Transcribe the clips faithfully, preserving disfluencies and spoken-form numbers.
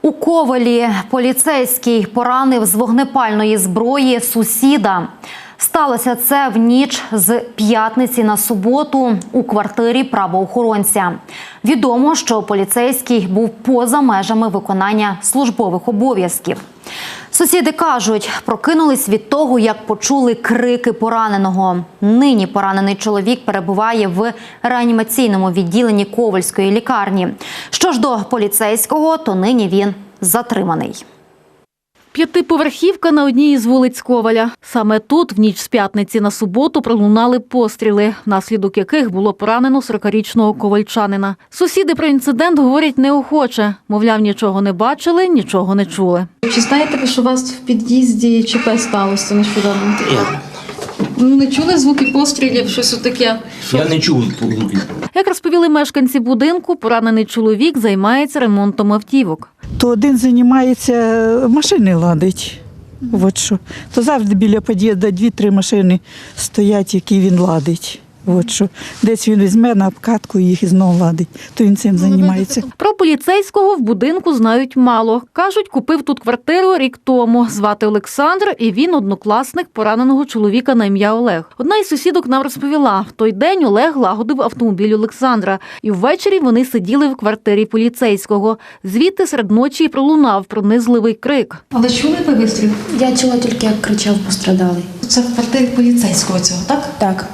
У Ковелі поліцейський поранив з вогнепальної зброї сусіда. Сталося це в ніч з п'ятниці на суботу у квартирі правоохоронця. Відомо, що поліцейський був поза межами виконання службових обов'язків. Сусіди кажуть, прокинулись від того, як почули крики пораненого. Нині поранений чоловік перебуває в реанімаційному відділенні Ковельської лікарні. Що ж до поліцейського, то нині він затриманий. П'ятиповерхівка на одній із вулиць Ковеля. Саме тут в ніч з п'ятниці на суботу пролунали постріли, внаслідок яких було поранено сорокарічного ковальчанина. Сусіди про інцидент говорять неохоче. Мовляв, нічого не бачили, нічого не чули. Чи знаєте ви, що у вас в під'їзді ЧП сталося нещодавно? Я, Ну, не чули звуки пострілів, щось таке? я не чув звуки. Як розповіли мешканці будинку, поранений чоловік займається ремонтом автівок. То один займається, машини ладить. От що. То завжди біля під'їзду дві-три машини стоять, які він ладить. От що. Десь він візьме на обкатку і їх і знову ладить. То він цим займається. Про поліцейського в будинку знають мало. Кажуть, купив тут квартиру рік тому. Звати Олександр, і він однокласник пораненого чоловіка на ім'я Олег. Одна із сусідок нам розповіла, в той день Олег лагодив автомобіль Олександра. І ввечері вони сиділи в квартирі поліцейського. Звідти серед ночі пролунав пронизливий крик. Але чули ви вистріл? Я чула тільки, як кричав пострадалий. Це в квартирі поліцейського цього, так? Так.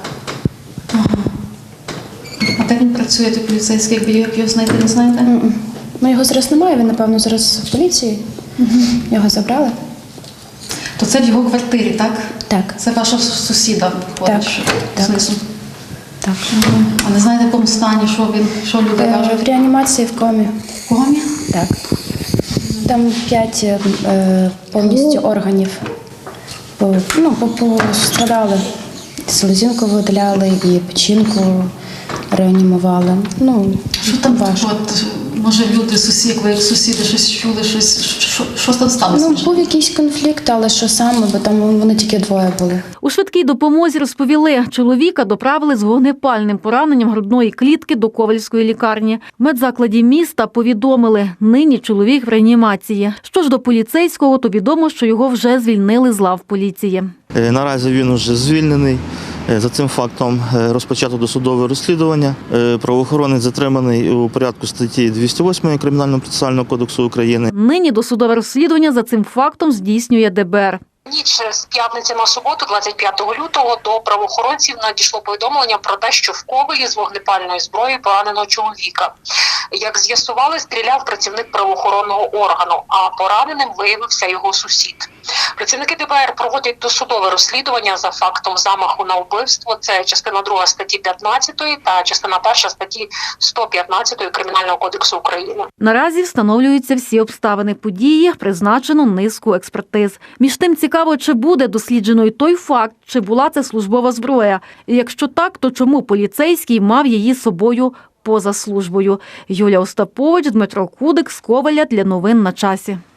А де він працює, той поліцейський, як як його знайти, не знаєте? М-м. Ну, його зараз немає, він, напевно, зараз в поліції. Його забрали. То це в його квартирі, так? Так. Це ваша сусіда виходить, Так, що так. знизу. Так. А не знаєте, в якому стані, що він, що люди Е, кажуть? В реанімації в комі. В комі? Так. Там п'ять е, повністю органів. По, ну, по- пострадали. Селезінку видаляли і печінку реанімували. Ну, Що там важко. от, може люди, сусід, ви як сусіди щось чули, щось, що, що там сталося? Ну, вже? був якийсь конфлікт, але що саме, бо там вони тільки двоє були. У швидкій допомозі розповіли, чоловіка доправили з вогнепальним пораненням грудної клітки до Ковельської лікарні. В медзакладі міста повідомили, нині чоловік в реанімації. Що ж до поліцейського, то відомо, що його вже звільнили з лав поліції. Наразі він уже звільнений. За цим фактом розпочато досудове розслідування. Правоохоронець затриманий у порядку статті двісті восьмої Кримінального процесуального кодексу України. Нині досудове розслідування за цим фактом здійснює де бе ер. Ніч з п'ятниці на суботу, двадцять п'ятого лютого, до правоохоронців надійшло повідомлення про те, що в Ковелі з вогнепальної зброї пораненого чоловіка. Як з'ясували, стріляв працівник правоохоронного органу, а пораненим виявився його сусід. Працівники де бе ер проводять досудове розслідування за фактом замаху на вбивство. Це частина друга статті п'ятнадцятої та частина перша статті сто п'ятнадцятої Кримінального кодексу України. Наразі встановлюються всі обставини події, призначено низку експертиз. Між тим цікаво, чи буде досліджено й той факт, чи була це службова зброя. І якщо так, то чому поліцейський мав її з собою поза службою? Юлія Остапович, Дмитро Кудик з Ковеля для новин на часі.